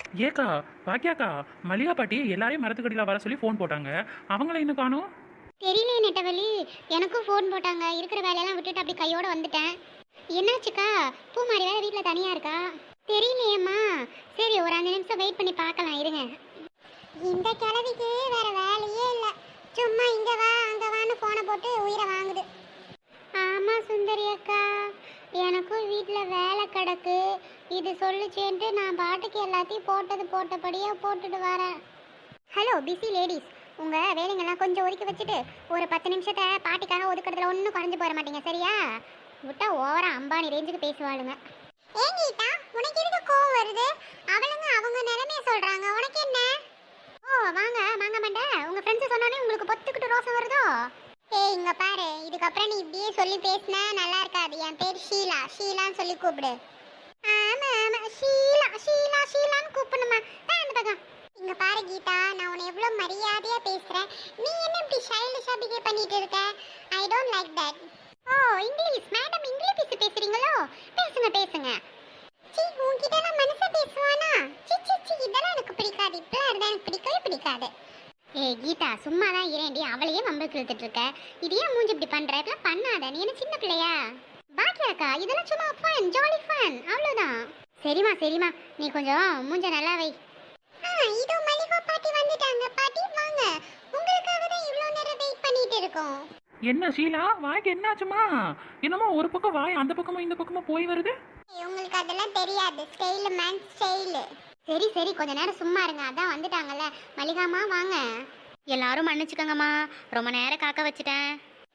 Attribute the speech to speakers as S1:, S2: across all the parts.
S1: ஏக்கா, பாக்கியாக்கா, மல்லிகா பாட்டி எல்லாரையும் மரத்துக்கடியில் வர சொல்லி ஃபோன் போட்டாங்க. அவங்கள இன்னும் காணோம்.
S2: தெரியலையே நெட்டவழி, எனக்கும் ஃபோன் போட்டாங்க. இருக்கிற வேலையெல்லாம் விட்டுட்டு அப்படி கையோட வந்துட்டேன். என்னாச்சுக்கா? பூமாரி வேற வீட்டில் தனியா இருக்கா? தெரியலையேம்மா. சரி, ஒரு 5 நிமிஷம் வெயிட் பண்ணி பார்க்கலாம் இருங்க. இந்த கிழவிக்கு வேற வேலையே இல்லை. சும்மா இங்க வா அங்க வான்னு போனை போட்டு உயிரை வாங்குது. ஆமா சுந்தரி அக்கா, எனக்கும் வீட்டில் வேலை கிடக்கு. இது சொல்லுச்சேன்ட்டு நான் பாட்டுக்கு எல்லாத்தையும் போட்டபடியே போட்டுட்டு வரேன். ஹலோ பிஸி லேடிஸ், உங்கள் வேலைங்கெல்லாம் கொஞ்சம் ஒதுக்கி வச்சுட்டு ஒரு 10 நிமிஷத்தை பாட்டிக்காக ஒதுக்கிறதுல ஒன்றும் குறைஞ்சு போயிட மாட்டீங்க சரியா? விட்டா ஓவரா அம்பானி ரேஞ்சுக்கு பேசுவாளுங்க. ஏன் கீதா, உனக்கு எதுக்கு கோவம் வருது? அவளுங்க அவங்க நிலைமைய சொல்கிறாங்க, உனக்கு என்ன? ஓ வாங்க வாங்க மாட்டே, உங்கள் ஃப்ரெண்ட்ஸு சொன்னோன்னே உங்களுக்கு பொத்துக்கிட்டு ரோசம் வருதோ? ஏய் இங்கே பாரு, இதுக்கப்புறம் நீ இப்படியே சொல்லி பேசினா நல்லா இருக்காது. என் பேர் ஷீலா, ஷீலான்னு சொல்லி கூப்பிடு. ஆமா ஆமா, ஷீலா ஷீலா ஷீலான்னு கூப்பிடணுமா? அந்த பக்கம் இங்க பாரு கீதா, நான் உன்னை எவ்வளவு மரியாதையா பேசுறேன். நீ என்ன இப்படி சைல்டிஷா பிஹேவ் பண்ணிட்டு இருக்க? I don't like that. ஓ இங்கிலீஷ் மேடம், இங்கிலீஷ் பேசுறீங்களோ? பேசுங்க பேசுங்க. சீ, உன்கிட்ட நான் மனச பேசுவானா? சி சி சி, இதெல்லாம் எனக்கு பிடிக்காது. இப்பெல்லாம் இருந்தா எனக்கு பிடிக்கவே பிடிக்காது. ஏய் கீதா, சும்மா தான் இரேண்டி, அவளையே வம்புக்கு இழுத்துட்டு இருக்க. இது ஏன் மூஞ்சி இப்படி பண்ற? இப்பெல்லாம் பண்ணாத, நீ என்ன சின்ன பிள்ளையா? பாக்கியாக்கா, இதெல்லாம் சும்மா ஃபன், ஜாலி ஃபன், அவ்வளோதான். சரிம்மா சரிம்மா, நீ கொஞ்சம் மூஞ்ச நல்லா வை. இதோ மல்லிகா பாட்டி வந்துட்டாங்க. பாட்டி வாங்க, உங்களுக்காக தான் இவ்வளோ நேரம் வெயிட் பண்ணிட்டு இருக்கோம்.
S1: என்ன ஷீலா, வாய்க்கு என்னாச்சுமா? என்னமோ ஒரு பக்கம் வாய் அந்த பக்கமும் இந்த பக்கமும் போய் வருது.
S2: உங்களுக்கு அதெல்லாம் தெரியாது, ஸ்டைல் மேன் ஸ்டைல். சரி சரி, கொஞ்ச நேரம் சும்மா இருங்க, அதான் வந்துட்டாங்கல்ல. மல்லிகாமா வாங்க. எல்லாரும் மன்னிச்சுக்கோங்கம்மா, ரொம்ப நேரம் காக்க வச்சுட்டேன்.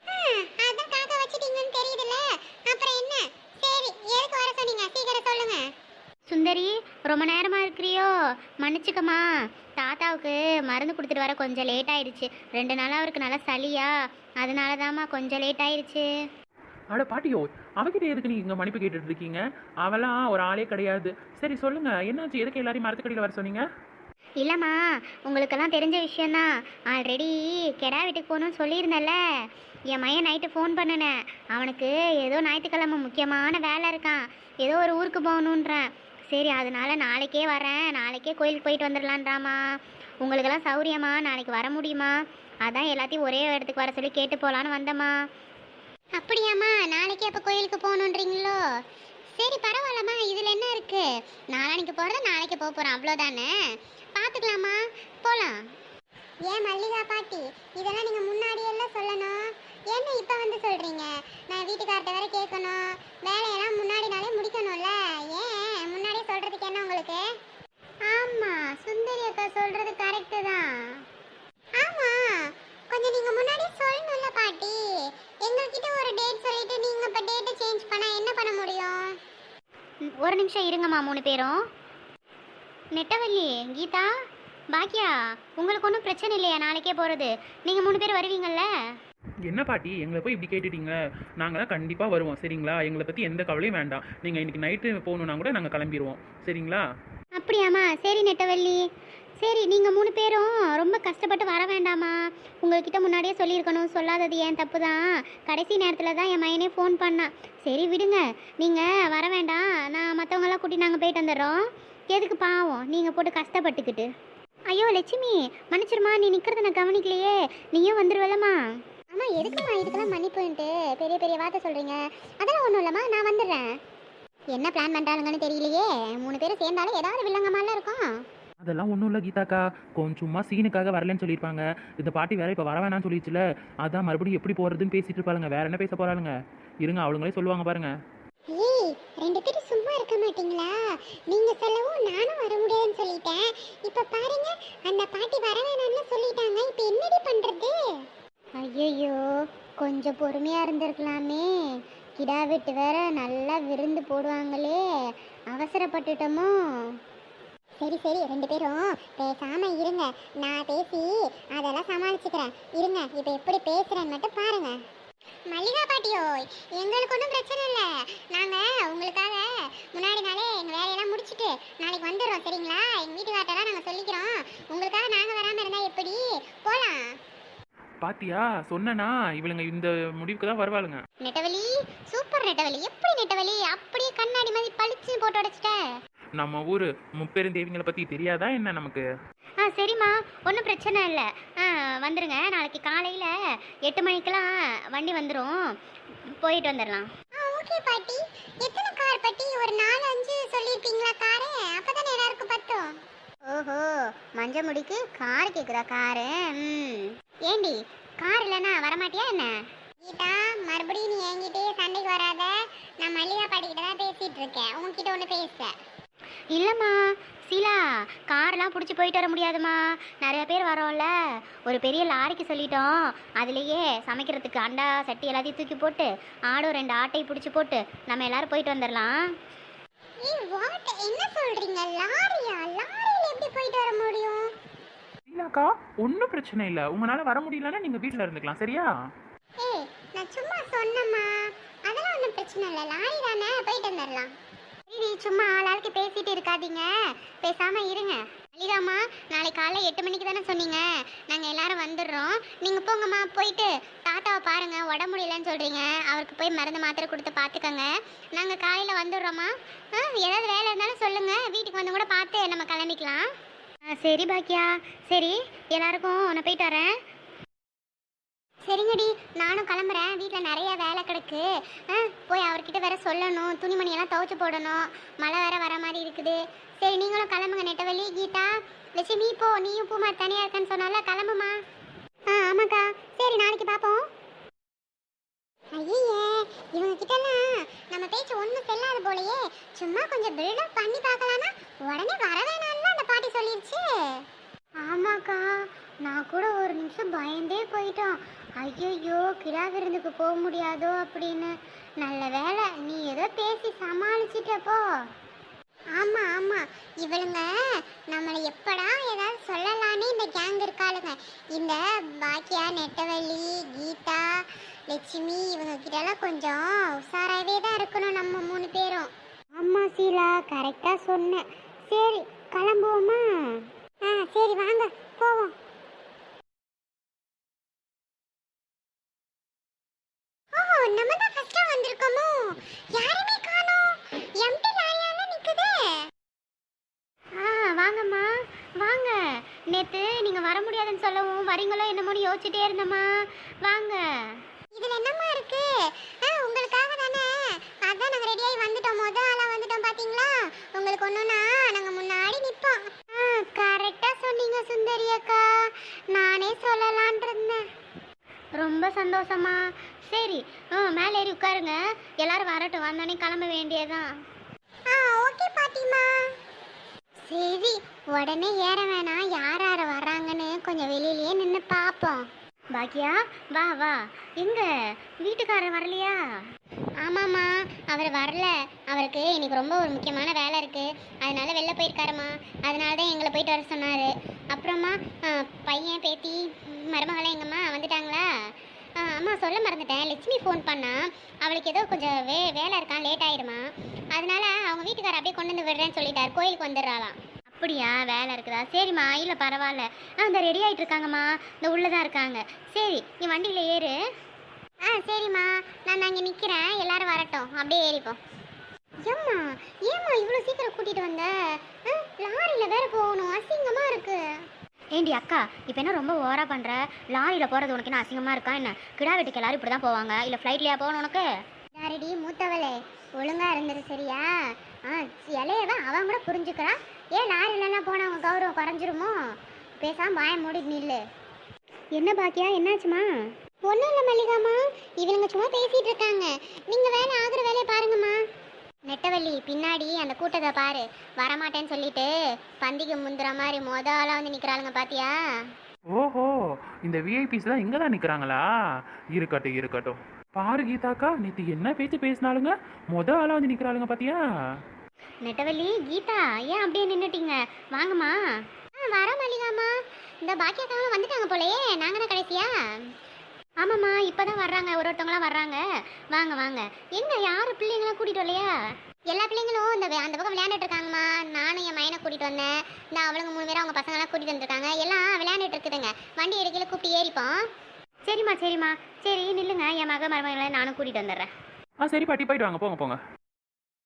S2: அதான் காக்க வச்சிட்டீங்கன்னு தெரியுதுல்ல, அப்புறம் என்ன? சரி, எதுக்கு வர சொன்னீங்க சீக்கிரம் சொல்லுங்க. சுந்தரி, ரொம்ப நேரமாக இருக்கிறியோ? மன்னிச்சுக்கம்மா, தாத்தாவுக்கு மருந்து கொடுத்துட்டு வர கொஞ்சம் லேட் ஆயிடுச்சு. 2 நாளாக அவருக்கு நல்லா சளியா, அதனால தாம்மா கொஞ்சம் லேட் ஆயிடுச்சு.
S1: அட பாட்டியோ, அவகிட்ட எதுக்கு நீங்க மன்னிப்பு கேட்டுட்டு இருக்கீங்க? அவெல்லாம் ஒரு ஆளே கிடையாது. சரி சொல்லுங்க, என்னாச்சு? எதுக்கு எல்லாரையும் மரத்துக்கடியில் வர சொன்னீங்க?
S2: இல்லைம்மா, உங்களுக்கெல்லாம் தெரிஞ்ச விஷயந்தான். ஆல்ரெடி கெடா வீட்டுக்கு போகணும்னு சொல்லியிருந்தேன்ல. என் மையன் நைட்டு ஃபோன் பண்ணினேன். அவனுக்கு ஏதோ ஞாயிற்றுக்கிழமை முக்கியமான வேலை இருக்கான், ஏதோ ஒரு ஊருக்கு போகணுன்றேன். சரி, அதனால நாளைக்கே வரேன், நாளைக்கே கோயிலுக்கு போயிட்டு வந்துடலான்றாமா. உங்களுக்கெல்லாம் சௌரியமா? நாளைக்கு வர முடியுமா? அதான் எல்லாத்தையும் ஒரே இடத்துக்கு வர சொல்லி கேட்டு போகலான்னு வந்தம்மா. அப்படியாம்மா, நாளைக்கே அப்போ கோயிலுக்கு போகணுன்றீங்களோ? சரி பரவாயில்லம்மா, இதில் என்ன இருக்குது? நாளைக்கு போகிறத நாளைக்கு போக போகிறோம், அவ்வளோதானே. பார்த்துக்கலாமா, போகலாம். ஏன் மல்லிகா பாட்டி, இதெல்லாம் நீங்கள் முன்னாடியெல்லாம் சொல்லணும். என்ன இப்போ வந்து சொல்கிறீங்க? நான் வீட்டுக்கார்ட்ட வேற கேட்கணும், வேலையெல்லாம் முன்னாடி நாளே முடிக்கணும்ல. ஏன் முன்னாடியே சொல்கிறதுக்கு என்ன உங்களுக்கு? ஆமாம், சுந்தரி அக்கா சொல்கிறது கரெக்டு தான். ஆமாம், கொஞ்சம் நீங்கள் முன்னாடியே சொல்லணும்ல பாட்டி. எங்ககிட்ட ஒரு டேட் சொல்லிட்டு நீங்கள் இப்போ டேட்டை சேஞ்ச் பண்ணால் என்ன பண்ண முடியும்? ஒரு நிமிஷம் இருங்கம்மா 3 பேரும். நெட்டவள்ளி, கீதா, பாக்கியா, உங்களுக்கு ஒன்றும் பிரச்சனை இல்லையா நாளைக்கே போகிறது? நீங்கள் 3 பேர் வருவீங்கள்ல?
S1: என்ன பாட்டி, எங்களை போய் இப்படி கேட்டுட்டீங்க? நாங்கள் தான் கண்டிப்பாக வருவோம் சரிங்களா? எங்களை பற்றி எந்த கவலையும் வேண்டாம். நீங்கள் இன்னைக்கு நைட்டு போகணுன்னா கூட நாங்கள் கிளம்பிடுவோம் சரிங்களா?
S2: அப்படியாம்மா, சரி நெட்டவள்ளி. சரி, நீங்கள் 3 பேரும் ரொம்ப கஷ்டப்பட்டு வர வேண்டாமா. உங்கள்கிட்ட முன்னாடியே சொல்லியிருக்கணும், சொல்லாதது ஏன் தப்பு தான். கடைசி நேரத்தில் தான் என் மையனே ஃபோன் பண்ணான். சரி விடுங்க, நீங்கள் வர வேண்டாம், நான் மற்றவங்களாம் கூட்டி நாங்கள் போயிட்டு வந்துடுறோம். எதுக்கு பாவம் நீங்கள் போட்டு கஷ்டப்பட்டுக்கிட்டு? ஐயோ லட்சுமி, மன்னிச்சிருமா, நீ நிற்கிறத நான் கவனிக்கலையே. நீயும் வந்துடுவலம்மா. ஆமாம், எதுக்குமா இதுக்கெல்லாம் மன்னிப்புன்ட்டு பெரிய பெரிய வார்த்தை சொல்கிறீங்க? அதெல்லாம் ஒன்றும் இல்லைம்மா, நான் வந்துடுறேன். என்ன பிளான் பண்ணுறாங்கன்னு தெரியலையே. 3 பேரும் சேர்ந்தாலும் ஏதாவது வில்லங்கமாலாம் இருக்கும்.
S1: அதெல்லாம் ஒன்றும் இல்லை கீதாக்கா, கொஞ்சம் சும்மா சீனுக்காக வரலன்னு சொல்லியிருப்பாங்க. இந்த பாட்டி வேற இப்போ வர வேணாம்னு சொல்லிடுச்சுல, அதான் மறுபடியும் எப்படி போகிறதுன்னு பேசிட்டு இருப்பாளுங்க. வேற என்ன பேச போகிறாளுங்க? இருங்க, அவளுங்களே சொல்லுவாங்க பாருங்க.
S2: ஏய், 2 பேரும் சும்மா இருக்க மாட்டீங்களா? நீங்க சொல்லவும் நானும் வர முடியாதுன்னு சொல்லிட்டேன். இப்ப பாருங்க, அந்த பாட்டி வர வேணாம்னு சொல்லிட்டாங்க. இப்ப என்னடி பண்றது? ஐயோ, கொஞ்சம் பொறுமையா இருந்திருக்கலாமே. கிடா வெட்டு வேற நல்லா விருந்து போடுவாங்களே, அவசரப்பட்டுட்டோமோ? சரி சரி, 2 பேரும் பேசாம இருங்க, நான் பேசி அதெல்லாம் சமாளிச்சுக்கிறேன். இருங்க, இப்ப எப்படி பேசுறேன்னு மட்டும் பாருங்க. மல்லிகா பாட்டியோ, எங்களுக்கு ஒன்றும் பிரச்சனை இல்லை. நாங்கள் உங்களுக்காக முன்னாடி நாளே எங்கள் வேலையெல்லாம் முடிச்சுட்டு நாளைக்கு வந்துடுறோம் சரிங்களா? எங்கள் வீட்டுக்கார்ட்டெல்லாம் நாங்கள் சொல்லிக்கிறோம். உங்களுக்காக நாங்கள் வராமல் இருந்தால் எப்படி? போகலாம்.
S1: பாத்தியா, சொன்னனா இவளுங்க இந்த முடிவுக்கு தான் வருவாளுங்க.
S2: நெட்டவலி, சூப்பர் நெட்டவலி. எப்படி நெட்டவலி அப்படியே கண்ணாடி மாதிரி பளிச்சு போட்டு உடைச்சிட்ட?
S1: நம்ம ஊர் முப்பெருந்தேவிங்களை பற்றி தெரியாதா என்ன நமக்கு?
S2: சரிம்மா, ஒன்றும் பிரச்சனை இல்லை. வந்துடுங்க. நாளைக்கு காலையில் 8 மணிக்கெல்லாம் வண்டி வந்துடும், போயிட்டு வந்துடலாம். ஓகே பாட்டி. எத்தனை கார் பாட்டி? ஒரு 4-5 சொல்லியிருப்பீங்களா காரு? அப்போ தானே எல்லாருக்கும் பத்தும். ஓஹோ, மஞ்ச முடிக்கு கார் கேட்குதா? காரு ஏண்டி, கார் இல்லைன்னா வரமாட்டியா என்ன? கீதா, மறுபடியும் நீ என்கிட்டே சண்டைக்கு வராத. நான் மல்லிகா பாட்டிக்கிட்ட தான் பேசிகிட்டு இருக்கேன், உங்ககிட்ட ஒன்று பேச. இல்லைம்மா சீலா, கார்லாம் பிடிச்சி போயிட்டு வர முடியாதுமா. நிறைய பேர் வரோம்ல, ஒரு பெரிய லாரிக்கு சொல்லிட்டோம். அதுலேயே சமைக்கிறதுக்கு அண்டா சட்டி எல்லாத்தையும் தூக்கி போட்டு ஆடும் 2 ஆட்டை பிடிச்சி போட்டு நம்ம எல்லாரும் போயிட்டு வந்துடலாம். என்ன சொல்றீங்க? லாரியா? லாரியில எப்படி போயிட்டு வர முடியும்?
S1: இல்லக்கா, ஒன்றும் பிரச்சனை இல்லை. உங்களால் வர முடியலன்னா நீங்கள் வீட்டில் இருந்துக்கலாம், சரியா?
S2: ஏய், நான் சும்மா சொன்னேம்மா, அதெல்லாம் ஒன்றும் பிரச்சனை இல்லை. லாரி தானே, போயிட்டு வந்துடலாம். நீ சும்மா ஆளாளுக்கு பேசிட்டு இருக்காதீங்க, பேசாம இருங்க. மல்லிகாம்மா, நாளைக்கு காலைல 8 மணிக்கு தானே சொன்னீங்க, நாங்கள் எல்லாரும் வந்துடுறோம். நீங்கள் போங்கம்மா, போயிட்டு தாத்தாவை பாருங்க, உடம்பு முடியலன்னு சொல்கிறீங்க, அவருக்கு போய் மருந்து மாத்திரை கொடுத்து பார்த்துக்கோங்க. நாங்கள் காலையில் வந்துடுறோம்மா. ஏதாவது வேலை இருந்தாலும் சொல்லுங்கள், வீட்டுக்கு வந்து கூட பார்த்து நம்ம கிளம்பிக்கலாம். சரி பாக்கியா, சரி எல்லாருக்கும் நான் போயிட்டு வரேன். சரிங்கடி, நானும் கிளம்புறேன். வீட்டில் நிறைய வேலை கிடக்கு. போய் அவர்கிட்ட வேற சொல்லணும், துணிமணியெல்லாம் துவைச்சு போடணும். மழை வேற வர மாதிரி இருக்குது. சரி, நீங்களும் கிளம்புங்க. நெட்டவள்ளி, கீதா, லட்சுமி, போ. நீயும் பூமார் தனியாக இருக்கேன்னு சொன்னால, கிளம்புமா. ஆமாக்கா. சரி, நாளைக்கு பார்ப்போம். ஐயே, இவங்க கிட்டலாம் நம்ம பேச்சு ஒன்றும் செல்லாத போலையே. சும்மா கொஞ்சம் பில்டப் பண்ணி பார்க்கலான்னா உடனே வர வேணாம்னு அந்த பாட்டி சொல்லிடுச்சு. ஆமாக்கா, நான் கூட ஒரு நிமிஷம் பயந்தே போயிட்டோம். ஐயோ, கிடா விருந்துக்கு போக முடியாதோ அப்படின்னு. நல்ல வேலை நீ ஏதோ பேசி சமாளிச்சிட்டப்போ. ஆமாம் ஆமாம், இவளுங்க நம்மளை எப்படா ஏதாவது சொல்லலான்னு இந்த கேங் இருக்காளுங்க. இந்த பாக்கியா, நெட்டவள்ளி, கீதா, லட்சுமி, இவங்க கிட்டலாம் கொஞ்சம் உஷாராகவே தான் இருக்கணும் நம்ம 3 பேரும். ஆமாம் சீலா, கரெக்டாக சொன்னேன். சரி, கிளம்புவோமா? சரி வாங்க போவோம். நம்ம தான் ஃபர்ஸ்டா வந்திருக்கோமோ? யாருமே காணோம். எம்டி லாரியால நிக்குதே. வாங்கம்மா வாங்க. நேத்து நீங்க வர முடியாதுன்னு சொல்லவும் வரீங்களோ என்னமோன்னு யோசிச்சுட்டே இருந்தம்மா. வாங்க. இதுல என்னம்மா இருக்கு? உங்களுக்காக தானே, அதான் நாங்க ரெடியாகி வந்துட்டோம். ஆளா வந்துட்டோம் பாத்தீங்களா? உங்களுக்கு ஒண்ணுனா நாங்க முன்னாடி நிப்போம். கரெக்டா சொன்னீங்க சுந்தரி அக்கா, நானே சொல்லலான் இருந்தேன். ரொம்ப சந்தோஷமா. சரி, மேலே ஏறி உட்காருங்க. எல்லாரும் வரட்டும், வந்தோடனே கிளம்ப வேண்டியதான். ஓகே பாட்டிமா. சரி, உடனே ஏற வேணாம். யார் யார் வர்றாங்கன்னு கொஞ்சம் வெளியிலேயே நின்று பார்ப்போம். பாக்கியா, வா வா. எங்க வீட்டுக்காரர் வரலையா? ஆமாம்மா, அவர் வரல. அவருக்கு இன்னைக்கு ரொம்ப ஒரு முக்கியமான வேலை இருக்குது, அதனால வெளில போயிருக்காருமா. அதனால தான் எங்களை போயிட்டு வர சொன்னார். அப்புறமா பையன், பேத்தி, மருமகளை எங்கம்மா வந்துட்டாங்களா? அம்மா சொல்ல மறந்துட்டேன். லட்சுமி ஃபோன் பண்ணா, அவளுக்கு ஏதோ கொஞ்சம் வேலை இருக்கான், லேட் ஆயிடுமா. அதனால அவங்க வீட்டுக்காரர் அப்படியே கொண்டு வந்து விடுறேன்னு சொல்லிட்டார். கோயிலுக்கு வந்துடுறாளாம். அப்படியா? வேலை இருக்குதா? சரிம்மா, இல்லை பரவாயில்ல. இந்த ரெடி ஆகிட்டு இருக்காங்கம்மா, இந்த உள்ளே தான் இருக்காங்க. சரி, நீ வண்டியில் ஏறு. சரிம்மா, நான் அங்கே நிற்கிறேன், எல்லாரும் வரட்டும், அப்படியே ஏறிப்போம். ஏம்மா இவ்வளோ சீக்கிரம் கூட்டிகிட்டு வந்த? லாரியில் வேற போகணும், அசிங்கமாக இருக்கு. ஏண்டி அக்கா, இப்போ என்ன ரொம்ப ஓவரா பண்ணுற? லாரியில் போகிறது உனக்கு என்ன அசிங்கமாக இருக்கா என்ன? கிடா வீட்டுக்கு எல்லாரும் இப்படி தான் போவாங்க, இல்லை ஃப்ளைட்லையா போகணும் உனக்கு? யாரடி மூத்தவளே, ஒழுங்காக இருந்தது சரியா? இலையதான் அவன் கூட புரிஞ்சுக்கிறா. ஏன் லாரிலலாம் போனால் அவங்க கௌரவம் குறைஞ்சிருமோ? பேசாமல் வாய மூடி நில்லு. என்ன பாக்கியா, என்னாச்சுமா? ஒன்றும் இல்லை மல்லிகாமா, இவங்க சும்மா பேசிகிட்டு இருக்காங்க. நீங்கள் வேலை ஆகுற வேலையை பாருங்கம்மா. நெட்டவள்ளி, பின்னாடி அந்த கூட்டத்தை பாரு. வரமாட்டேன்னு சொல்லிட்டு பந்திக்கு முந்துற மாதிரி ஆளாக வந்து நிற்கிறாளுங்க, பாத்தியா?
S1: ஓஹோ, இந்த விஐபிஸ்லாம் இங்கே தான் நிற்கிறாங்களா? இருக்கட்டும் இருக்கட்டும். பாரு கீதாக்கா, நேற்று என்ன பேச்சு பேசினாலுங்க ஆளாக வந்து நிற்கிறாளுங்க, பாத்தியா?
S2: நெட்டவள்ளி, கீதா, ஏன் அப்படியே நின்றுட்டீங்க? வாங்கம்மா. வர மல்லிகாமா, இந்த பாக்கியக்காரங்களும் வந்துட்டாங்க போலயே. நாங்கள் தான் கடைசியா? ஆமாம்மா, இப்போ தான் வர்றாங்க, ஒருத்தவங்களாம் வர்றாங்க. வாங்க வாங்க. எங்க யார் பிள்ளைங்களாம் கூட்டிகிட்டு வரலையா? எல்லா பிள்ளைங்களும் அந்த பக்கம் விளையாண்டுட்டு இருக்காங்கம்மா. நானும் என் மையனை கூட்டிகிட்டு வந்தேன். இந்த அவளுங்க 3 பேரும் அவங்க பசங்களாம் கூட்டிகிட்டு வந்துருக்காங்க. எல்லாம் விளையாண்டுட்டு இருக்குதுங்க. வண்டி எடுக்கல கூப்பிட்டு ஏறிப்போம். சரிம்மா சரிம்மா. சரி நில்லுங்க, என் மருமகளை நானும் கூட்டிகிட்டு வந்துடுறேன்.
S1: சரி பாட்டி, போயிட்டு வாங்க, போங்க போங்க.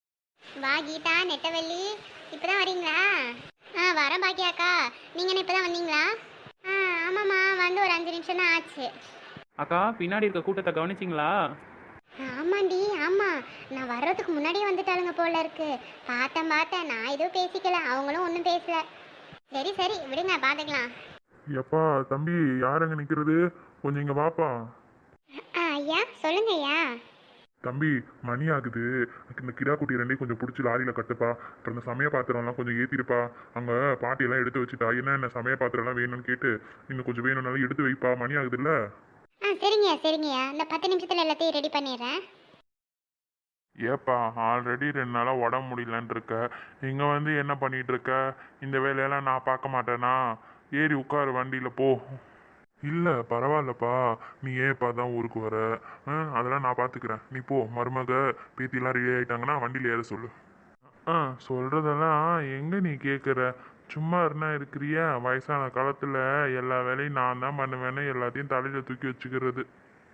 S2: வா கீதா, நெட்டவள்ளி, இப்பதான் வரீங்களா? வரேன் பாக்கியாக்கா. நீங்க என்ன இப்பதான் வந்தீங்களா? ஆமாம்மா, வந்து ஒரு 5 நிமிஷம் தான் ஆச்சு.
S1: அக்கா, பின்னாடி இருக்க கூட்டத்தை கவனிச்சிங்களா?
S2: ஆமாண்டி, ஆமா. நான் வர்றதுக்கு முன்னாடியே வந்துட்டாளுங்க போல இருக்கு. பார்த்தேன். நான் எதுவும் பேசிக்கல, அவங்களும் ஒன்றும் பேசல. சரி சரி, விடுங்க, பார்த்துக்கலாம்.
S3: எப்பா தம்பி, யாருங்க நிக்கிறது? கொஞ்சம் இங்க வாப்பா.
S2: ஐயா, சொல்லுங்க ஐயா.
S3: தம்பி, மணி ஆகுது. இந்த கிடா குட்டி ரெண்டையும் கொஞ்சம் பிடிச்சி லாரியில கட்டுப்பா. அப்புறம் இந்த சமய பாத்திரம்லாம் கொஞ்சம் ஏத்திருப்பா. அங்க பாட்டி எல்லாம் எடுத்து வச்சுட்டா. என்ன சமய பாத்திரம் எல்லாம் வேணும்னு கேட்டு இன்னும் கொஞ்சம் வேணும்னாலும் எடுத்து வைப்பா. மணி ஆகுதுல்ல.
S2: சரிங்கய்யா. இந்த 10 நிமிஷத்துல எல்லாத்தையும் ரெடி பண்ணிடுறேன்.
S3: ஏப்பா, ஆல்ரெடி 2 நாளா உடம்பு முடியலன்னு இருக்க. இங்க வந்து என்ன பண்ணிட்டு இருக்க? இந்த வேலையெல்லாம் நான் பார்க்க மாட்டேனா? ஏறி உட்காரு, வண்டியில போ. இல்ல பரவாயில்லப்பா, நீ ஏப்பா தான் ஊருக்கு வர? அதெல்லாம் நான் பாத்துக்கிறேன். நீ போ. மருமக பேத்திலாம் ரெடி ஆயிட்டாங்கன்னா வண்டியில ஏற சொல்லு. சொல்றதெல்லாம் எங்க நீ கேக்குற? சும்மா இருந்தா இருக்கிறியா? வயசான காலத்துல எல்லா வேலையும் நான் தான் பண்ணுவேன்னு எல்லாத்தையும் தலையில தூக்கி வச்சுக்கிறது.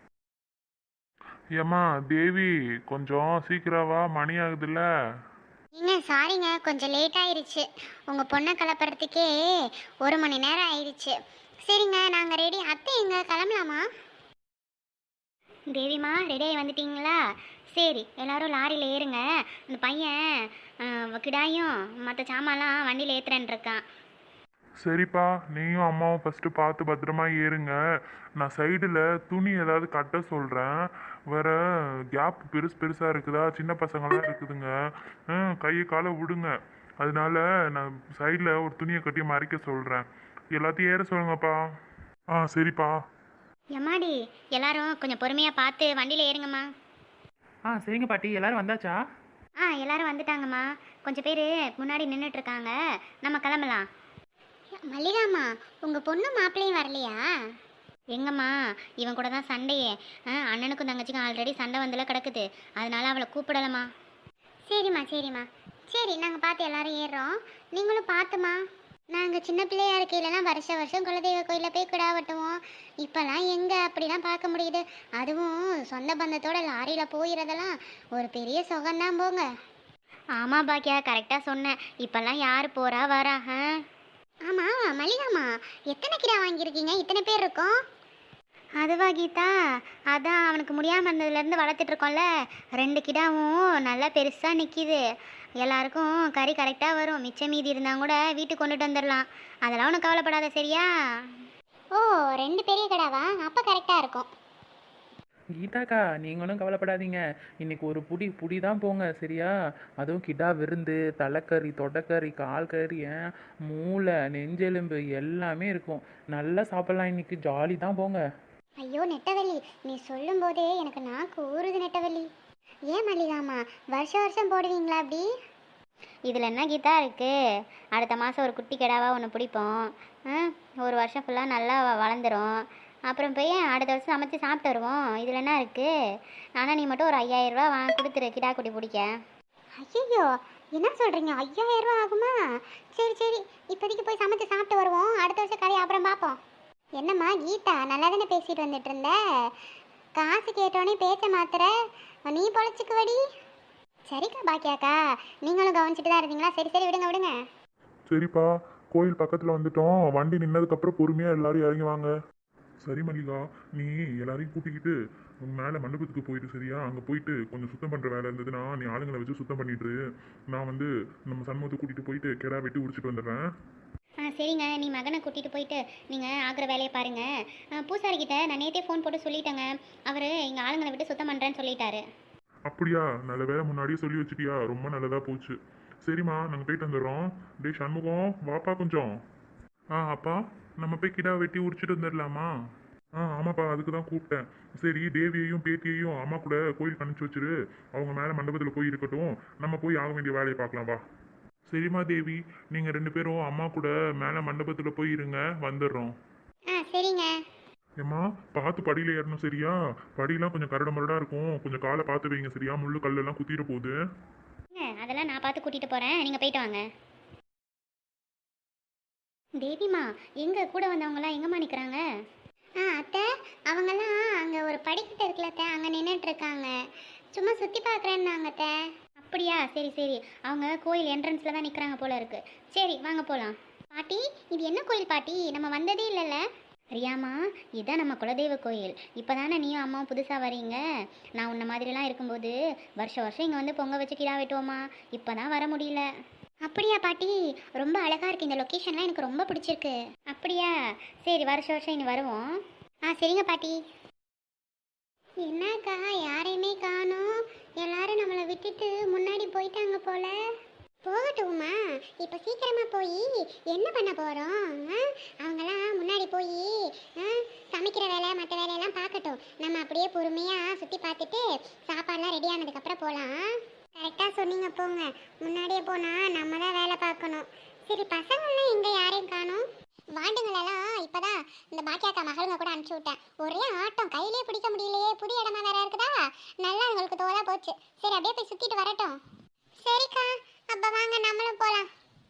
S3: ஏம்மா தேவி, கொஞ்சம் சீக்கிரம் வா, மணி ஆகுதுல்ல.
S2: சாரிங்க, கொஞ்சம் லேட் ஆயிருச்சு. உங்க பொண்ணை கிளப்புறதுக்கே 1 மணி நேரம் ஆயிடுச்சு. சரிங்க, நாங்க ரெடி. அத்தை எங்க, கிளம்பலாமா? தேவிமா, ரெடியாகி வந்துட்டீங்களா? சரி, எல்லாரும் லாரியில் ஏறுங்க. இந்த பையன் கிடாயும் மற்ற சாமான்லாம் வண்டியில் ஏற்றுறேன் இருக்கான்.
S3: சரிப்பா, நீயும் அம்மாவும் ஃபஸ்ட்டு பார்த்து பத்திரமா ஏறுங்க. நான் சைடில் துணி ஏதாவது கட்ட சொல்கிறேன். வேற கேப் பெருசாக இருக்குதா? சின்ன பசங்களாம் இருக்குதுங்க. கையை காலை விடுங்க. அதனால நான் சைடில் ஒரு துணியை கட்டி மறைக்க சொல்கிறேன். எல்லாத்தையும் ஏற சொல்லுங்கப்பா. சரிப்பா.
S2: எம்மாடி, எல்லாரும் கொஞ்சம் பொறுமையாக பார்த்து வண்டியில் ஏறுங்கம்மா.
S1: சரிங்க பாட்டி, எல்லாரும் வந்தாச்சா?
S2: எல்லாரும் வந்துட்டாங்கம்மா. கொஞ்சம் பேர் முன்னாடி நின்றுட்டுருக்காங்க. நம்ம கிளம்பலாம். மல்லிகாம்மா, உங்கள் பொண்ணு மாப்பிள்ளையும் வரலையா? எங்கம்மா, இவன் கூட தான் சண்டையே. அண்ணனுக்கும் தங்கச்சிக்கும் ஆல்ரெடி சண்டை வந்துல கிடக்குது. அதனால அவளை கூப்பிடலம்மா. சரிம்மா. சரி, நாங்கள் பார்த்து எல்லாரும் ஏறுறோம். நீங்களும் பார்த்துமா. நாங்கள் சின்ன பிள்ளையா இருக்கையிலலாம் வருஷம் குலதெய்வ கோயிலில் போய் கிடா வெட்டுவோம். இப்போல்லாம் எங்கே அப்படிலாம் பார்க்க முடியுது? அதுவும் சொந்த பந்தத்தோட லாரியில் போயிடுறதெல்லாம் ஒரு பெரிய சுகம்தான் போங்க. ஆமாம் பாக்கியா, கரெக்டாக சொன்னேன். இப்போல்லாம் யார் போகிறா வரா? ஆமாம் மல்லிகாம்மா, எத்தனை கிடா வாங்கியிருக்கீங்க? இத்தனை பேர் இருக்கோம். அதுவா கீதா, அதான் அவனுக்கு முடியாமல் இருந்ததுலேருந்து வளர்த்துட்ருக்கோம்ல. 2 கிடாவும் நல்லா பெருசாக நிற்கிது. எல்லாருக்கும் கறி கரெக்டாக வரும். மிச்சம் மீதி இருந்தால் கூட வீட்டுக்கு கொண்டுட்டு வந்துடலாம். அதெல்லாம் ஒன்றும் கவலைப்படாத, சரியா? ஓ, 2 பெரிய கிடாவா? அப்போ கரெக்டாக இருக்கும்.
S1: கீதாக்கா, நீங்களும் கவலைப்படாதீங்க. இன்னைக்கு ஒரு புடி தான் போங்க, சரியா? அதுவும் கிடா விருந்து, தலைக்கறி, தொடைக்கறி, கால் கறி, மூளை, நெஞ்செலும்பு எல்லாமே இருக்கும். நல்லா சாப்பிட்லாம். இன்னைக்கு ஜாலி தான் போங்க.
S2: ஐயோ நெட்டவள்ளி, நீ சொல்லும் போதே எனக்கு நாக்கு ஊறுது நெட்டவள்ளி. ஏன் மல்லிகாமா, வருஷம் போடுவீங்களா அப்படி? இதில் என்ன கீதா இருக்குது? அடுத்த மாதம் ஒரு குட்டி கிடாவா ஒன்று பிடிப்போம். ஒரு வருஷம் ஃபுல்லாக நல்லா வளர்ந்துடும். அப்புறம் போய் அடுத்த வருஷம் சமைச்சு சாப்பிட்டு வருவோம். இதில் என்ன இருக்குது? ஆனால் நீ மட்டும் ஒரு 5000 ரூபா கொடுத்துரு கிடா குட்டி பிடிக்க. ஐயோ, என்ன சொல்கிறீங்க? 5000 ரூபா ஆகுமா? சரி, இப்போதைக்கு போய் சமைச்சு சாப்பிட்டு வருவோம். அடுத்த வருஷம் கதையை அப்புறம் பார்ப்போம். என்னம்மா கீதா, நல்லா தானே பேசிட்டு வந்துட்டு இருந்த? காசு கேட்டோன்னே பேச்ச மாத்திர, நீ பொழைச்சிக்குவடி. சரிக்கா பாக்கியாக்கா, நீங்களும் கவனிச்சுட்டு தான் இருந்தீங்களா? சரி, விடுங்க.
S3: சரிப்பா, கோயில் பக்கத்தில் வந்துட்டோம். வண்டி நின்னதுக்கப்புறம் பொறுமையாக எல்லாரும் இறங்கி வாங்க. சரி மல்லிகா, நீ எல்லாரையும் கூட்டிக்கிட்டு மேலே மண்டபத்துக்கு போயிட்டு, சரியா? அங்கே போயிட்டு கொஞ்சம் சுத்தம் பண்ணுற வேலை இருந்ததுன்னா நீ ஆளுங்களை வச்சு சுத்தம் பண்ணிட்டு, நான் வந்து நம்ம சண்முகத்தை கூட்டிகிட்டு போயிட்டு கிடா வெட்டி உடிச்சிட்டு வந்துடுறேன்.
S2: சரிங்க, நீ மகனை கூட்டிகிட்டு போயிட்டு நீங்கள் ஆகிற வேலையை பாருங்கள். பூசாரிக்கிட்ட நான் நேற்றே ஃபோன் போட்டு சொல்லிட்டேங்க. அவர் எங்கள் ஆளுங்களை விட்டு சுத்தம் பண்ணுறேன்னு சொல்லிட்டாரு.
S3: அப்படியா? நல்ல வேலை, முன்னாடியே சொல்லி வச்சுட்டியா? ரொம்ப நல்லதாக போச்சு. சரிம்மா, நாங்கள் போயிட்டு வந்துடுறோம். டே சண்முகம், வாப்பா கொஞ்சம். அப்பா, நம்ம போய் கிடா வெட்டி உரிச்சிட்டு வந்துடலாமா? ஆமாப்பா, அதுக்கு தான் கூப்பிட்டேன். சரி, தேவியையும் பேத்தியையும் அம்மா கூட கோயிலுக்கு அனுப்பிச்சி வச்சிரு. அவங்க மேலே மண்டபத்தில் போய் இருக்கட்டும். நம்ம போய் ஆக வேண்டிய வேலையை பார்க்கலாம், வா. சரிம்மா தேவி, நீங்கள் 2 பேரும் அம்மா கூட மேலே மண்டபத்தில் போய் இருங்க, வந்துடுறோம்.
S2: சரிங்க.
S3: ஏம்மா, பார்த்து படியில் ஏறணும், சரியா? படியெல்லாம் கொஞ்சம் கரடு முரடாக இருக்கும். கொஞ்சம் காலை பார்த்து வைங்க, சரியா? முள்ளு கல்லெல்லாம் குத்திட போகுது.
S2: அதெல்லாம் நான் பார்த்து கூட்டிகிட்டு போகிறேன், நீங்கள் போயிட்டு வாங்க. தேவிமா, எங்கே கூட வந்தவங்களாம் எங்கம்மா நிற்கிறாங்க? அத்தை, அவங்கெல்லாம் அங்கே ஒரு படிக்கட்டு இருக்குல்ல அத்தை, அங்கே நின்றுட்டுருக்காங்க. சும்மா சுற்றி பார்க்குறேன்னாங்க அத்தை. அப்படியா? சரி சரி. அவங்க கோயில் என்ட்ரன்ஸில் தான் நிற்கிறாங்க போல இருக்கு. சரி வாங்க போகலாம். பாட்டி, இது என்ன கோயில் பாட்டி? நம்ம வந்ததே இல்லைல்ல. ரியாமா, இதுதான் நம்ம குலதெய்வ கோயில். இப்போ தானே நீயும் அம்மாவும் புதுசாக வரீங்க. நான் உன்ன மாதிரிலாம் இருக்கும்போது வருஷம் வருஷம் இங்கே வந்து பொங்க வச்சு கிடா வெட்டுவோமா. இப்போ தான் வர முடியல. அப்படியா பாட்டி? ரொம்ப அழகாக இருக்குது. இந்த லொக்கேஷன்லாம் எனக்கு ரொம்ப பிடிச்சிருக்கு. அப்படியா? சரி, வருஷம் வருஷம் இனி வருவோம். சரிங்க பாட்டி. என்னக்கா யாரையுமே காணோம்? எல்லாரும் நம்மளை விட்டுட்டு முன்னாடி போயிட்டாங்க போல. போகட்டுமா? இப்போ சீக்கிரமா போய் என்ன பண்ண போறோம்? அவங்கெல்லாம் முன்னாடி போய் சமைக்கிற வேலை மற்ற வேலையெல்லாம் பார்க்கட்டும். நம்ம அப்படியே பொறுமையா சுற்றி பார்த்துட்டு சாப்பாடுலாம் ரெடி ஆனதுக்கப்புறம் போகலாம். கரெக்டாக சொன்னீங்க, போங்க. முன்னாடியே போனால் நம்ம தான் வேலை பார்க்கணும். சரி, பசங்கள்லாம் எங்கே யாரையும் காணோம்? வாண்டுங்களெல்லாம் இப்போதான் இந்த பாக்கியாக்கா மகளுங்க கூட அனுப்பிச்சி விட்டேன். ஒரே ஆட்டம், கையிலே பிடிக்க முடியலையே. புதிய இடமா வேற இருக்குதா? நல்லா உங்களுக்கு தோதா போச்சு. சரி, அப்படியே போய் சுற்றிட்டு வரட்டும். சரிக்கா, அப்போ வாங்க நம்மளும் போகலாம்.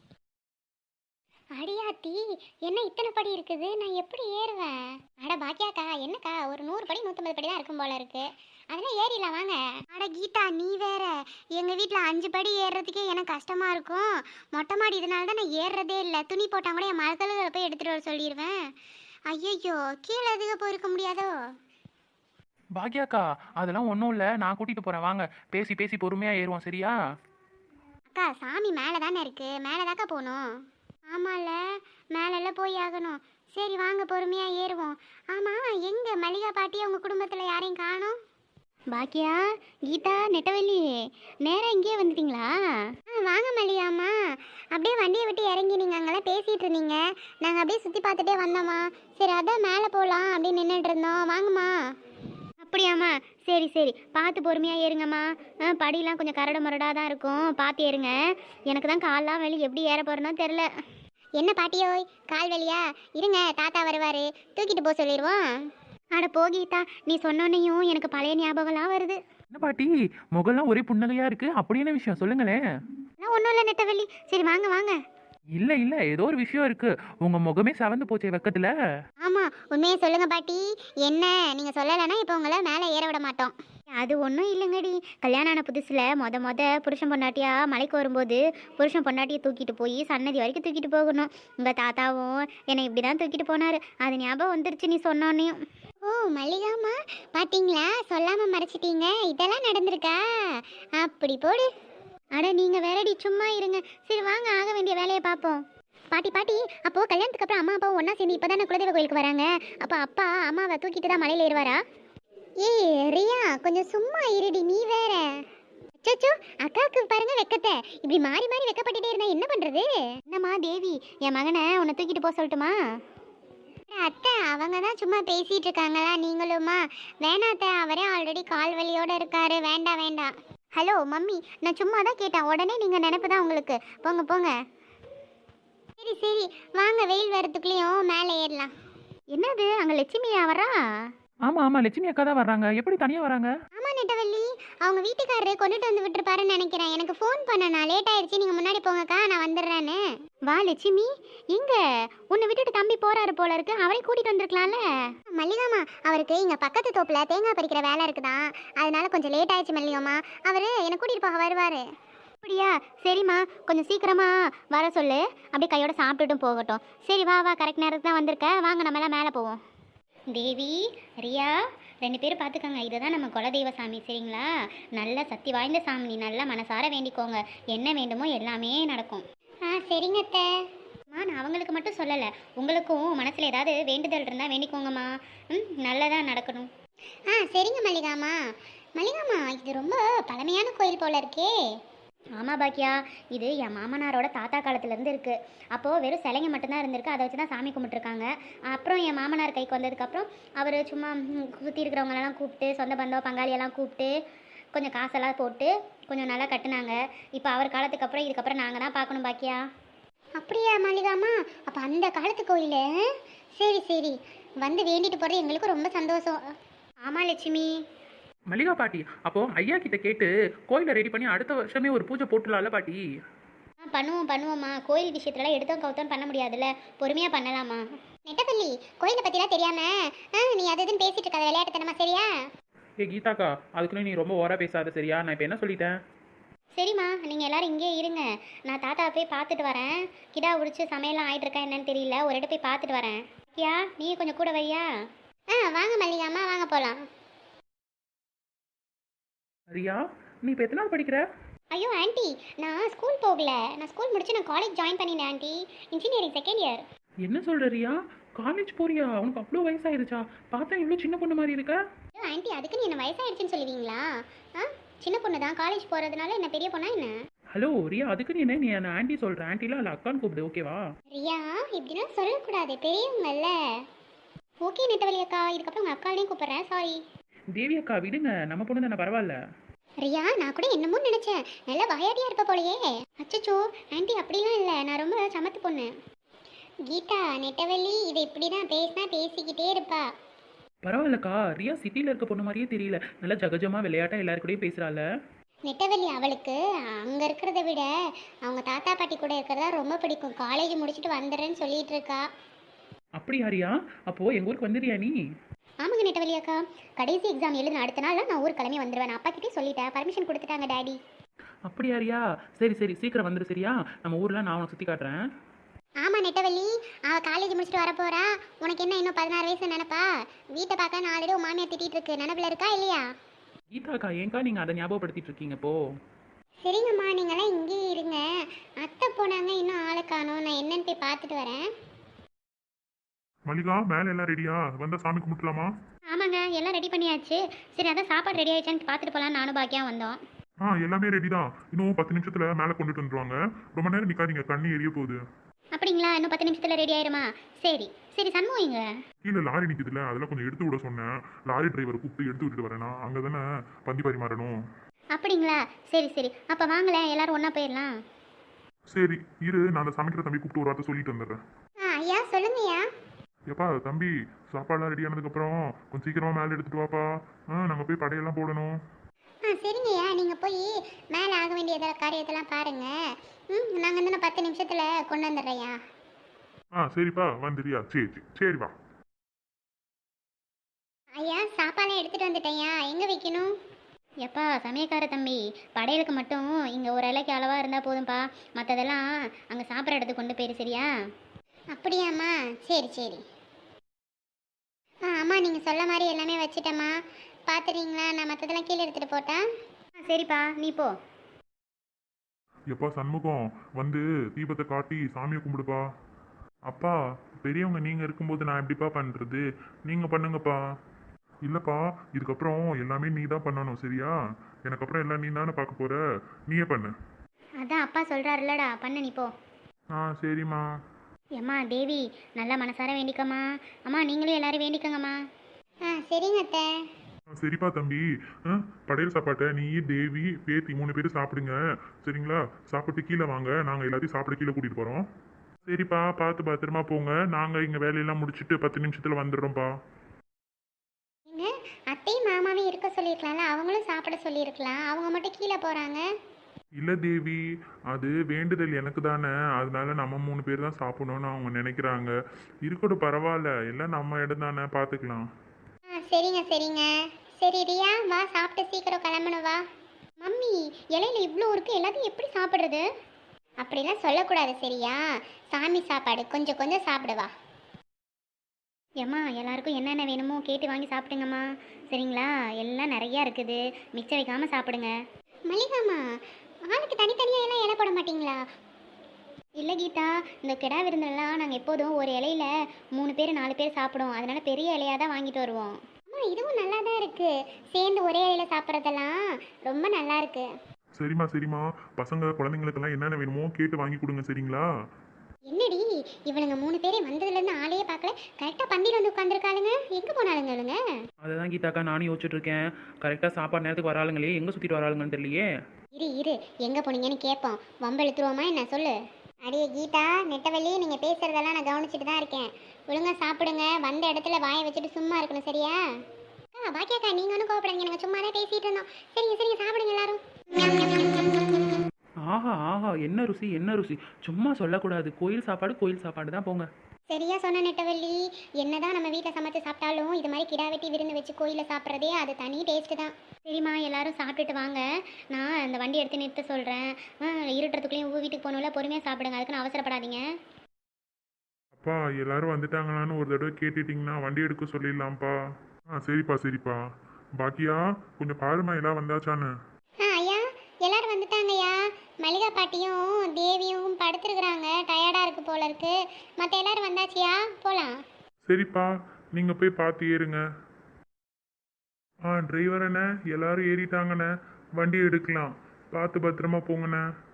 S2: அடியாத்தி, என்ன இத்தனை படி இருக்குது? நான் எப்படி ஏறுவேன்? அட பாக்கியாக்கா, என்னக்கா ஒரு 100 படி 150 படி தான் இருக்கும் போல இருக்கு. அதெல்லாம் ஏறிடலாம் வாங்க. அட கீதா, நீ வேற. எங்கள் வீட்டில் 5 படி ஏறுறதுக்கே எனக்கு கஷ்டமாக இருக்கும். மொட்டை மாடி, இதனால தான் நான் ஏறுறதே இல்லை. துணி போட்டால் கூட என் மகளுகளை போய் எடுத்துகிட்டு வர சொல்லிடுவேன். ஐயோ, கீழே அதிக போயிருக்க முடியாதோ?
S1: பாக்யாக்கா, அதெல்லாம் ஒன்றும் இல்லை, நான் கூட்டிகிட்டு போகிறேன். வாங்க, பேசி பேசி பொறுமையாக ஏறுவோம், சரியா?
S2: அக்கா, சாமி மேலே தானே இருக்குது, மேலே தாக்கா போகணும். ஆமாம்ல, மேலெல்லாம் போய் ஆகணும். சரி வாங்க, பொறுமையாக ஏறுவோம். ஆமாம், எங்கே மல்லிகா பாட்டி அவங்க குடும்பத்தில் யாரையும் காணோம்? பாக்கியா, கீதா, நெட்டவெளி, நேராக இங்கேயே வந்துட்டீங்களா? வாங்க மல்லிகாம்மா. அப்படியே வண்டியை விட்டு இறங்கி நீங்கள் அங்கெல்லாம் பேசிகிட்டு இருந்தீங்க. நாங்கள் அப்படியே சுற்றி பார்த்துட்டே வந்தோம்மா. சரி, அதான் மேலே போகலாம் அப்படின்னு நின்றுட்டு இருந்தோம். வாங்கம்மா. அப்படியாம்மா? சரி சரி, பார்த்து பொறுமையாக ஏறுங்கம்மா. படியெலாம் கொஞ்சம் கரடு முரடாக தான் இருக்கும், பார்த்து ஏறுங்க. எனக்கு தான் கால்லாம் வலி, எப்படி ஏற போகிறேனோ தெரில. என்ன பாட்டியோய், கால் வலியா? இருங்க, தாத்தா வருவார், தூக்கிட்டு போக சொல்லிடுவோம். அட போகீதா, நீ சொன்னோன்னையும் எனக்கு பழைய ஞாபகம்லாம் வருது.
S1: என்ன பாட்டி, முகம்லாம் ஒரே புன்னகையாக இருக்குது, அப்படி என்ன விஷயம் சொல்லுங்களேன்.
S2: ஒன்றும் இல்லை நெட்டவெளி. சரி வாங்க வாங்க.
S1: இல்லை இல்லை, ஏதோ ஒரு விஷயம் இருக்குது. உங்கள் முகமே செவந்து போச்சே வெக்கத்தில்.
S2: ஆமாம், உண்மையை சொல்லுங்க பாட்டி. என்ன நீங்கள் சொல்லலைன்னா இப்போ உங்களை மேலே ஏற விட மாட்டோம். அது ஒன்றும் இல்லைங்கடி. கல்யாணம் ஆன புதுசில் மொத புருஷன் பொண்டாட்டியா மலைக்கு வரும்போது புருஷன் பொண்டாட்டியை தூக்கிட்டு போய் சன்னதி வரைக்கும் தூக்கிட்டு போகணும். உங்கள் தாத்தாவும் என்னை இப்படி தான் தூக்கிட்டு போனார். அது ஞாபகம் வந்துருச்சு நீ சொன்னோன்னையும். ஓ மல்லிகாமா, பார்த்தீங்களா, சொல்லாமல் மறைச்சிட்டீங்க. இதெல்லாம் நடந்திருக்கா? அப்படி போடு. அட நீங்கள் வேறடி, சும்மா இருங்க. சரி வாங்க, ஆக வேண்டிய வேலையை பார்ப்போம். பாட்டி பாட்டி, அப்போது கல்யாணத்துக்கு அப்புறம் அம்மா அப்பாவும் ஒன்றா சேர்ந்து இப்போ தானே குலதெய்வ கோயிலுக்கு வராங்க. அப்போ அப்பா அம்மாவை தூக்கிட்டு தான் மலையில் ஏறுவாரா? ரியா, கொஞ்சம் சும்மா இருடி, நீ வேற. அச்சோ, அக்காவுக்கு பாருங்க வெக்கத்தை. இப்படி மாறி மாறி வெக்கப்பட்டுட்டே இருந்தா என்ன பண்றது? என்னம்மா தேவி, என் மகனை உன்னை தூக்கிட்டு போக சொல்லட்டுமா? அத்தை, அவங்க தான் சும்மா பேசிட்டு இருக்காங்களா, நீங்களுமா? வேணாத்த, அவரே ஆல்ரெடி கால் வலியோட இருக்காரு. வேண்டாம் வேண்டாம். ஹலோ மம்மி, நான் சும்மா தான் கேட்டேன். உடனே நீங்கள் நினைப்பு தான் உங்களுக்கு. போங்க போங்க. சரி சரி வாங்க, வெயில் வரத்துக்குள்ளேயும் மேலே ஏறலாம். என்னது, அங்கே லட்சுமியா வரா?
S1: ஆமாம் ஆமாம், லட்சுமி அக்கா தான் வர்றாங்க. எப்படி தனியாக வராங்க?
S2: ஆமாம் நெட்டவள்ளி, அவங்க வீட்டுக்காரரு கொண்டுட்டு வந்து விட்டுருப்பாருன்னு நினைக்கிறேன். எனக்கு ஃபோன் பண்ணனா, லேட் ஆயிடுச்சு, நீங்கள் முன்னாடி போங்கக்கா, நான் வந்துடுறேன்னு. வா லட்சுமி. எங்க உன்னை விட்டுட்டு தம்பி போறாரு போல இருக்கு, அவரையும் கூட்டிட்டு வந்திருக்கலாம்ல. மல்லிகாமா, அவருக்கு இங்கே பக்கத்து தோப்பில் தேங்காய் பறிக்கிற வேலை இருக்குதான், அதனால கொஞ்சம் லேட் ஆயிடுச்சு மல்லிகாமா. அவர் என்னை கூட்டிகிட்டு போக வருவார். அப்படியா? சரிம்மா, கொஞ்சம் சீக்கிரமா வர சொல்லு, அப்படியே கையோட சாப்பிட்டுட்டும் போகட்டும். சரி வா வா, கரெக்ட் நேரத்துக்கு தான் வந்திருக்க. வாங்க, நம்மளாம் மேலே போவோம். தேவி, ரியா, 2 பேரும் பார்த்துக்கோங்க. இதுதான் நம்ம குலதெய்வ சாமி, சரிங்களா? நல்ல சக்தி வாய்ந்த சாமி. நீ நல்லா மனசார வேண்டிக்கோங்க, என்ன வேண்டுமோ எல்லாமே நடக்கும். சரிங்க அத்தை. நான் அவங்களுக்கு மட்டும் சொல்லலை, உங்களுக்கும் மனசில் ஏதாவது வேண்டுதல் இருந்தால் வேண்டிக்கோங்கம்மா. நல்லதாக நடக்கணும். சரிங்க மல்லிகாமா. மல்லிகாமா, இது ரொம்ப பழமையான கோயில் போல இருக்கே. ஆமாம் பாக்கியா, இது என் மாமனாரோட தாத்தா காலத்துலேருந்து இருக்குது. அப்போது வெறும் சிலைங்க மட்டும்தான் இருந்திருக்கு, அதை வச்சு தான் சாமி கும்பிட்டுருக்காங்க. அப்புறம் என் மாமனார் கைக்கு வந்ததுக்கப்புறம் அவர் சும்மா சுற்றி இருக்கிறவங்களெல்லாம் கூப்பிட்டு, சொந்த பந்தம் பங்காளியெல்லாம் கூப்பிட்டு கொஞ்சம் காசெல்லாம் போட்டு கொஞ்சம் நல்லா கட்டுனாங்க. இப்போ அவர் காலத்துக்கு அப்புறம் இதுக்கப்புறம் நாங்கள் தான் பார்க்கணும் பாக்கியா. அப்படியா மல்லிகாமா? அப்போ அந்த காலத்து கோயில். சரி சரி, வந்து வேண்டிட்டு போகிறது எங்களுக்கு ரொம்ப சந்தோஷம். ஆமாம் லட்சுமி.
S1: மல்லிகா பாட்டி, அப்போ ஐயா கிட்ட கேட்டு கோயிலை ரெடி பண்ணி அடுத்த வருஷமே ஒரு பூஜை போட்டுலாம்ல பாட்டி?
S2: பண்ணுவோம்மா. கோயில் விஷயத்துலலாம் எடுத்தோம் கவுத்தோன்னு பண்ண முடியாதுல்ல, பொறுமையாக பண்ணலாமா? நெட்டப்பள்ளி, கோயிலை பற்றிலாம் தெரியாமல் நீ அது இதுன்னு பேசிட்டு இருக்காத, விளையாட்டுத்தனமா, சரியா?
S1: கீதாக்கா, அதுக்குன்னு நீ ரொம்ப ஓரா பேசாத, சரியா? நான் இப்போ என்ன சொல்லிட்டேன்?
S2: சரிம்மா, நீங்கள் எல்லாரும் இங்கே இருங்க. நான் தாத்தாவை போய் பார்த்துட்டு வரேன். கிடா உடிச்சு சமையலாம் ஆயிட்டு இருக்கா என்னன்னு தெரியல. ஒரு இடம் போய் பார்த்துட்டு வரேன். ஐயா, நீ கொஞ்சம் கூட வையா. வாங்க மல்லிகாம்மா, வாங்க போகலாம்.
S1: ரியா, நீ இப்போ எத்தனை நாள் படிக்கிற?
S2: ஐயோ ஆண்டி, நான் ஸ்கூல் போகல. நான் ஸ்கூல் முடிச்சு நான் காலேஜ் ஜாயின் பண்ணினேன் ஆண்டி. Engineering second year.
S1: என்ன சொல்ற ரியா? காலேஜ் போறியா? உனக்கு அவ்வளோ வயசாயிருச்சா? பார்த்தா இவ்வளோ சின்ன பொண்ணு மாதிரி இருக்க.
S2: ஐயோ ஆண்டி, அதுக்கு நீ என்ன வயசாயிடுச்சுன்னு சொல்லுவீங்களா? சின்ன பொண்ணு தான். காலேஜ் போகிறதுனால என்ன பெரிய பொண்ணா என்ன?
S1: ஹலோ ரியா, அதுக்கு நீ என்ன ஆண்டி சொல்கிற? ஆண்டிலாம் இல்லை, அக்கான்னு கூப்பிடு, ஓகேவா?
S2: ரியா, இப்படிலாம் சொல்லக்கூடாது, பெரியவங்கல்ல. ஓகே நெட்டவழி அக்கா, இதுக்கப்புறம் உங்கள் அக்காலையும் கூப்பிட்றேன், சாரி.
S1: தேவி அக்கா விடுங்க, நம்ம பொண்ணு தானே, பரவாயில்ல.
S2: ரியா, நான் கூட என்னமோ நினச்சேன், நல்லா வாயாடியாக இருப்ப போலையே. அச்சச்சோ ஆண்டி, அப்படிலாம் இல்லை, நான் ரொம்ப சமத்து பொண்ணு. கீதா, நெட்டவள்ளி இதை இப்படி தான் பேசினா பேசிக்கிட்டே இருப்பா.
S1: பரவாயில்லக்கா, ரியா சிட்டியில் இருக்க பொண்ணு மாதிரியே தெரியல, நல்லா ஜகஜமாக விளையாட்டா எல்லாருக்கூடயும் பேசுகிறாள்.
S2: நெட்டவள்ளி அவளுக்கு அங்கே இருக்கிறத விட அவங்க தாத்தா பாட்டி கூட இருக்கிறதா ரொம்ப பிடிக்கும். காலேஜ் முடிச்சுட்டு வந்துடுறேன்னு சொல்லிட்டு இருக்கா.
S1: அப்படியா ரியா? அப்போது எங்கள் ஊருக்கு வந்துடுறியா நீ?
S2: ஆமாங்க நெட்டவள்ளி அக்கா, கடைசி எக்ஸாம் எழுதின அடுத்த நாள் நான் ஊர் கிளம்பி வந்துடுவேன். அப்பா கிட்டே சொல்லிட்டேன், பர்மிஷன் கொடுத்துட்டாங்க டாடி.
S1: அப்படியா ரியா? சரி சரி, சீக்கிரம் வந்துடு சரியா? நம்ம ஊரில் நான் உனக்கு சுற்றி காட்டுறேன்.
S2: ஆமாம் நெட்டவள்ளி, அவள் காலேஜ் முடிச்சுட்டு வரப்போறா. உனக்கு என்ன இன்னும் 16 வயசு நினைப்பா? வீட்டை பார்க்க நான் ஆல்ரெடி மாமியார் திட்டிகிட்டு இருக்கு, நினைப்பில் இருக்கா இல்லையா?
S1: கீதாக்கா, ஏங்கா நீங்கள் அதை ஞாபகப்படுத்திட்டு இருக்கீங்க இப்போ?
S2: சரிங்கம்மா, நீங்களாம் இங்கேயே இருங்க. அத்தை போனாங்க, இன்னும் ஆளை காணோம். நான் என்னன்னு போய் பார்த்துட்டு வரேன்.
S3: மல்லிகா, மேலே எல்லாம் ரெடியா? வந்தா சாமி கும்பிட்டுலாமா?
S2: ஆமாங்க, எல்லாம் ரெடி பண்ணியாச்சு. சரி, அதான் சாப்பாடு ரெடி ஆயிடுச்சான்னு பார்த்துட்டு போகலாம் நானும் பாக்கியா வந்தோம்.
S3: எல்லாமே ரெடி தான். இன்னும் 10 நிமிஷத்துல மேலே கொண்டுட்டு வந்துருவாங்க. ரொம்ப நேரம் நிக்காதீங்க, தண்ணி எரிய போகுது.
S2: அப்படிங்களா? இன்னும் 10 நிமிஷத்தில் ரெடி ஆயிருமா? சரி சரி. சண்முகம் இங்க.
S3: கீழே லாரி நிற்குதுல, அதெல்லாம் கொஞ்சம் எடுத்து விட சொன்னேன். லாரி டிரைவரை கூப்பிட்டு எடுத்து விட்டுட்டு வரேனா, அங்கே தானே பந்தி பரிமாறணும்.
S2: அப்படிங்களா? சரி சரி, அப்போ வாங்களேன், எல்லாரும் ஒன்றா போயிடலாம்.
S3: சரி இரு, நான் அந்த சமைக்கிற தம்பி கூப்பிட்டு ஒரு வார்த்தை சொல்லிட்டு வந்துடுறேன்.
S2: ஐயா சொல்லுங்கய்யா.
S3: எப்பா தம்பி, சாப்பாடுலாம் ரெடி ஆனதுக்கப்புறம் கொஞ்சம் சீக்கிரமாக மேலே எடுத்துட்டு வாப்பா. நாங்கள் போய் படையெல்லாம் போடணும்.
S2: சரிங்கய்யா, நீங்கள் போய் மேலே ஆக வேண்டிய காரியத்தெல்லாம் பாருங்கள். நாங்கள் இன்னும் 10 நிமிஷத்தில் கொண்டு வந்துடுறேயா.
S3: சரிப்பா, வந்துடுறியா? சரி சரி சரி வா.
S2: ஐயா, சாப்பாடெல்லாம் எடுத்துகிட்டு வந்துட்டேன்யா. எங்கே வைக்கணும்? எப்பா சமயக்கார தம்பி, படையலுக்கு மட்டும் இங்கே ஒரு இலைக்கு அளவாக இருந்தால் போதும்ப்பா. மற்றதெல்லாம் அங்கே சாப்பிட்ற இடத்துக்கு கொண்டு போயிரு, சரியா? அப்படியாம்மா? சரி சரி. அம்மா, நீங்கள் சொல்ல மாதிரி எல்லாமே வச்சுட்டேம்மா. பார்த்துறீங்களா? நான் மற்றதெல்லாம் கீழே எடுத்துகிட்டு போட்டா? சரிப்பா, நீ போ.
S3: எப்பா சண்முகம், வந்து தீபத்தை காட்டி சாமியை கும்பிடுப்பா. அப்பா, பெரியவங்க நீங்கள் இருக்கும்போது நான் எப்படிப்பா பண்ணுறது? நீங்கள் பண்ணுங்கப்பா. இல்லைப்பா, இதுக்கப்புறம் எல்லாமே நீ தான் பண்ணணும், சரியா? எனக்கு அப்புறம் எல்லாம் நீ தானே பார்க்க போகிற, நீயே பண்ணு.
S2: அதான் அப்பா சொல்கிறாருல்லடா, பண்ணு நீ போ.
S3: சரிம்மா.
S2: அம்மா தேவி, நல்லா மனசார வேண்டிக்கம்மா. அம்மா நீங்களும் எல்லாரும் வேண்டிக்கங்கம்மா. சரிங்க அத்தை.
S3: சரிப்பா தம்பி, படையல் சாப்பாட்டை நீ, தேவி, பேத்தி 3 பேர் சாப்பிடுங்க, சரிங்களா? சாப்பிட்டு கீழே வாங்க, நாங்கள் எல்லாத்தையும் சாப்பிட கீழே கூட்டிகிட்டு போகிறோம். சரிப்பா, பார்த்து பத்திரமா போங்க. நாங்கள் இங்கே வேலையெல்லாம் முடிச்சுட்டு 10 நிமிஷத்தில் வந்துடுறோம்ப்பா.
S2: அத்தையும் மாமாவையும் இருக்க சொல்லியிருக்கலாம்ல, அவங்களும் சாப்பிட சொல்லியிருக்கலாம். அவங்க மட்டும் கீழே போகிறாங்க.
S3: இல்லை தேவி, அது வேண்டுதல் எனக்கு தானே, அதனால நம்ம 3 பேர் தான் சாப்பிடணும்னு அவங்க நினைக்கிறாங்க. இருக்கட்டும், பரவாயில்ல, எல்லாம் நம்ம இடம் தானே, பார்த்துக்கலாம்.
S2: சரிங்க சரிங்க. சரி ரியா, வா சாப்பிட்டு சீக்கிரம் கிளம்பணும் வா. மம்மி, இலையில இவ்வளோ இருக்குது, எல்லாத்தையும் எப்படி சாப்பிட்றது? அப்படிலாம் சொல்லக்கூடாது, சரியா? சாமி சாப்பாடு, கொஞ்சம் கொஞ்சம் சாப்பிடுவா. ஏம்மா, எல்லாருக்கும் என்னென்ன வேணுமோ கேட்டு வாங்கி சாப்பிடுங்கம்மா, சரிங்களா? எல்லாம் நிறையா இருக்குது, மிச்சம் வைக்காமல் சாப்பிடுங்க. மல்லிகாம்மா, ஆளுக்கு தனித்தனியாக எல்லாம் இலை போட மாட்டிங்களா? இல்லை கீதா, இந்த கிடா விருந்தெல்லாம் நாங்கள் எப்போதும் ஒரு இலையில 3 பேர் 4 பேர் சாப்பிடுவோம், அதனால பெரிய இலையாக தான் வாங்கிட்டு வருவோம். அம்மா, இதுவும் நல்லா தான் இருக்குது, சேர்ந்து ஒரே இலையில சாப்பிட்றதெல்லாம் ரொம்ப நல்லா இருக்கு.
S3: சரிம்மா சரிம்மா, பசங்க குழந்தைங்களுக்கெல்லாம் என்னென்ன வேணுமோ கேட்டு வாங்கி கொடுங்க, சரிங்களா?
S2: என்னடி இவனுங்க 3 பேரே வந்ததுலேருந்து ஆளையே பார்க்கல, கரெக்டாக பந்தியில் வந்து உட்காந்துருக்காளுங்க, எங்கே போனாலுங்க இவளுங்க?
S1: அதை தான் கீதாக்கா நானும் யோசிச்சுட்டு இருக்கேன். கரெக்டாக சாப்பாடு நேரத்துக்கு வராளுங்களே, எங்கே சுற்றிட்டு வராளுங்கன்னு தெரியலையே.
S2: இரு எங்கே போனீங்கன்னு கேட்போம், வம்பு இழுத்துருவோமா என்ன? சொல்லு. அடியே கீதா, நெட்டவள்ளி, நீங்கள் பேசுகிறதெல்லாம் நான் கவனிச்சுட்டு தான் இருக்கேன். ஒழுங்காக சாப்பிடுங்க, வந்த இடத்துல வாயை வச்சுட்டு சும்மா இருக்கணும், சரியா? பாக்கியாக்கா, நீங்கள் ஒன்றும் கோவப்படாதீங்க, நாங்கள் சும்மா தான் பேசிகிட்டு இருந்தோம். சரிங்க சரிங்க, சாப்பிடுங்க எல்லாரும்.
S1: ஆஹா ஆஹா, என்ன ருசி என்ன ருசி. சும்மா சொல்லக்கூடாது. கோயில் சாப்பாடு தான் போங்க.
S2: சரியா சொன்ன நெட்டவள்ளி. என்னதான் நம்ம வீட்டில் சமைச்சு சாப்பிட்டாலும் இது மாதிரி கிடா வெட்டி விருந்து வச்சு கோயிலில் சாப்பிட்றதே அது தனி டேஸ்ட்டு தான். சரிம்மா, எல்லாரும் சாப்பிட்டுட்டு வாங்க. நான் அந்த வண்டி எடுத்து நிறுத்த சொல்கிறேன். இருட்டுறதுக்குள்ளேயும் வீட்டுக்கு போகணும்ல, பொறுமையாக சாப்பிடுங்க. அதுக்குன்னு அவசரப்படாதீங்க.
S3: அப்பா எல்லாரும் வந்துட்டாங்களான்னு ஒரு தடவை கேட்டுட்டிங்கன்னா வண்டி எடுக்க சொல்லிடலாம்ப்பா. சரிப்பா சரிப்பா. பாக்கியா கொஞ்சம் பாருமா எல்லாம் வந்தாச்சான்னு.
S2: ஐயா, எல்லாரும் வந்துட்டாங்கய்யா. மல்லிகா பாட்டியும் தேவியும் படுத்துருக்குறாங்க. டயர்டாக இருக்கு போல இருக்கு. மற்ற எல்லாரும் வந்தாச்சியா, போகலாம்.
S3: சரிப்பா, நீங்கள் போய் பார்த்து ஏறுங்க. டிரைவர் அண்ணே எல்லாரும் ஏறிட்டாங்கண்ணே. வண்டி எடுக்கலாம். பார்த்து பத்திரமா போங்கண்ணே.